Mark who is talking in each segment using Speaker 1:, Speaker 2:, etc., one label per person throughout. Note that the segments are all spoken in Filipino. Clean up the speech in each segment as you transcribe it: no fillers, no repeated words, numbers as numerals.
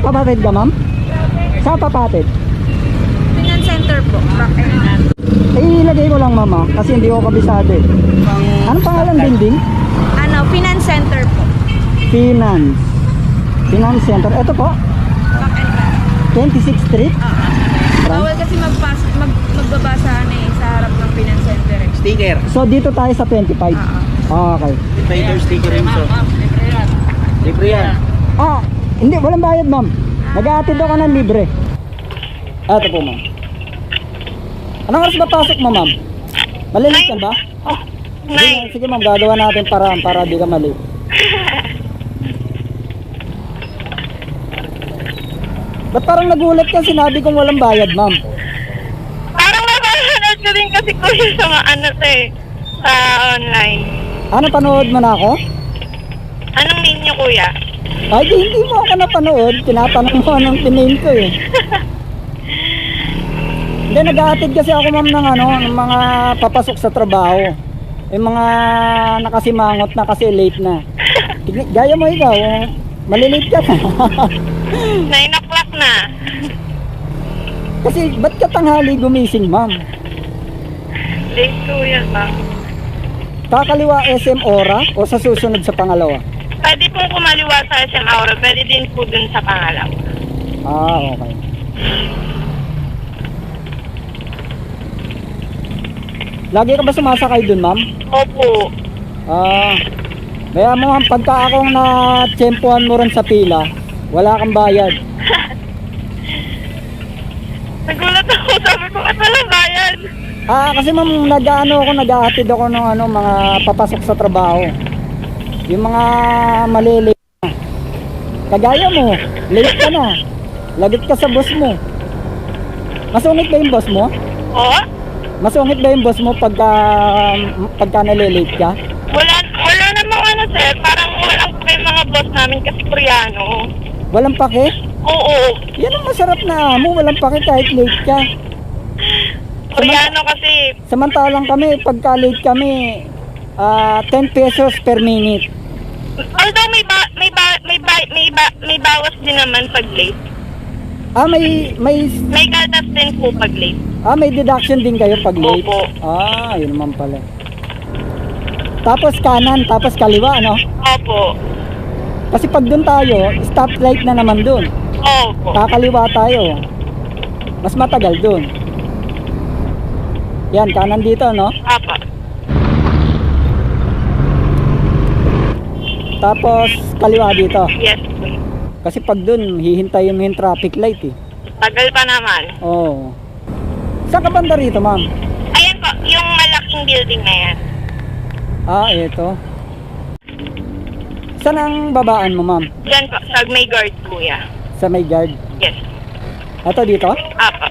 Speaker 1: Papatid ka, ma'am? Saan papatid?
Speaker 2: Finance center po.
Speaker 1: Ilagay ko lang, ma'am, kasi hindi ko kabisado eh. Anong pangalan building?
Speaker 2: Ano, finance center po.
Speaker 1: Finance Center. Ito po,
Speaker 2: Back and back.
Speaker 1: 26th Street.
Speaker 2: Bawal kasi magbabasa sa harap ng finance center.
Speaker 3: Sticker.
Speaker 1: So dito tayo sa 25. Okay.
Speaker 3: Trader sticker rin so. Libre yan.
Speaker 1: Hindi, walang bayad, ma'am. Nag-aatid ako ng libre. Ito po, ma'am. Anong oras ba pasok mo, ma'am? Malilate ka ba? Sige, ma'am, gagawa natin para di ka mali. Ba't parang nagulat ka, sinabi kong walang bayad, ma'am?
Speaker 4: Parang napanood ko din kasi kuya sa sa online.
Speaker 1: Ano, panood mo na ako?
Speaker 4: Anong name niyo kuya?
Speaker 1: Ay, hindi mo ako napanood. Tinatanong mo anong piname ko eh. Hindi, nag-aatid kasi ako, ma'am, ng mga papasok sa trabaho. Yung mga nakasimangot na kasi late na. Gaya mo ikaw, malilate ka na.
Speaker 4: 9 o'clock na.
Speaker 1: Kasi ba't ka tanghali gumising, ma'am?
Speaker 4: Late kuya ba?
Speaker 1: Kakaliwa SM Ora o sa susunod sa pangalawa?
Speaker 4: Pwede pong kumaliwa sa SM Aura, pwede din po dun sa pangalawa.
Speaker 1: Okay. Lagi ka ba sumasakay dun, ma'am?
Speaker 4: Opo.
Speaker 1: Kaya mo, ma'am, pagka akong na-tsempuhan mo rin sa pila, wala kang bayad.
Speaker 4: Nagulat ako, sabi ko, at walang bayad.
Speaker 1: Kasi ma'am, nag-aatid ako ng mga papasok sa trabaho. Yung mga malilate na. Kagaya mo, late ka na. Lagit ka sa boss mo. Masungit ba yung boss mo?
Speaker 4: Oo?
Speaker 1: Masungit ba yung boss mo pagka nalilate ka?
Speaker 4: Wala namang sir, parang walang pa yung mga boss namin kasi Koreano.
Speaker 1: Walang pake?
Speaker 4: Oo.
Speaker 1: Yan ang masarap na amo, walang pake kahit late ka.
Speaker 4: Koreano kasi.
Speaker 1: Samantalang kami, pagka late kami, 10 pesos per minute.
Speaker 4: Although may bawas din naman pag late. May gatas din po pag late.
Speaker 1: May deduction din kayo pag late?
Speaker 4: Opo.
Speaker 1: Yun naman pala. Tapos kanan, tapos kaliwa, ano?
Speaker 4: Opo.
Speaker 1: Kasi pag dun tayo, stoplight na naman dun.
Speaker 4: Opo.
Speaker 1: Kakaliwa tayo. Mas matagal dun. Yan, kanan dito, no?
Speaker 4: Opo.
Speaker 1: Tapos kaliwa dito.
Speaker 4: Yes.
Speaker 1: Kasi pag dun, hihintayin mo yung traffic light eh.
Speaker 4: Tagal pa naman.
Speaker 1: Oo. Saan ka banda rito, ma'am?
Speaker 4: Ayan po, yung malaking building na yan.
Speaker 1: Ito. Saan ang babaan mo, ma'am?
Speaker 4: Diyan po, sa may guard kuya.
Speaker 1: Sa may guard?
Speaker 4: Yes.
Speaker 1: Ito dito?
Speaker 4: Opo.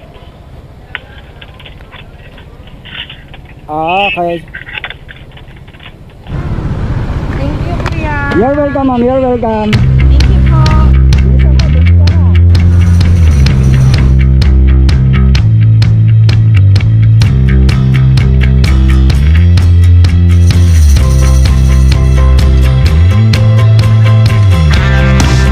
Speaker 1: Okay.
Speaker 2: Thank you, kuya.
Speaker 1: You're welcome, ma'am. You're welcome.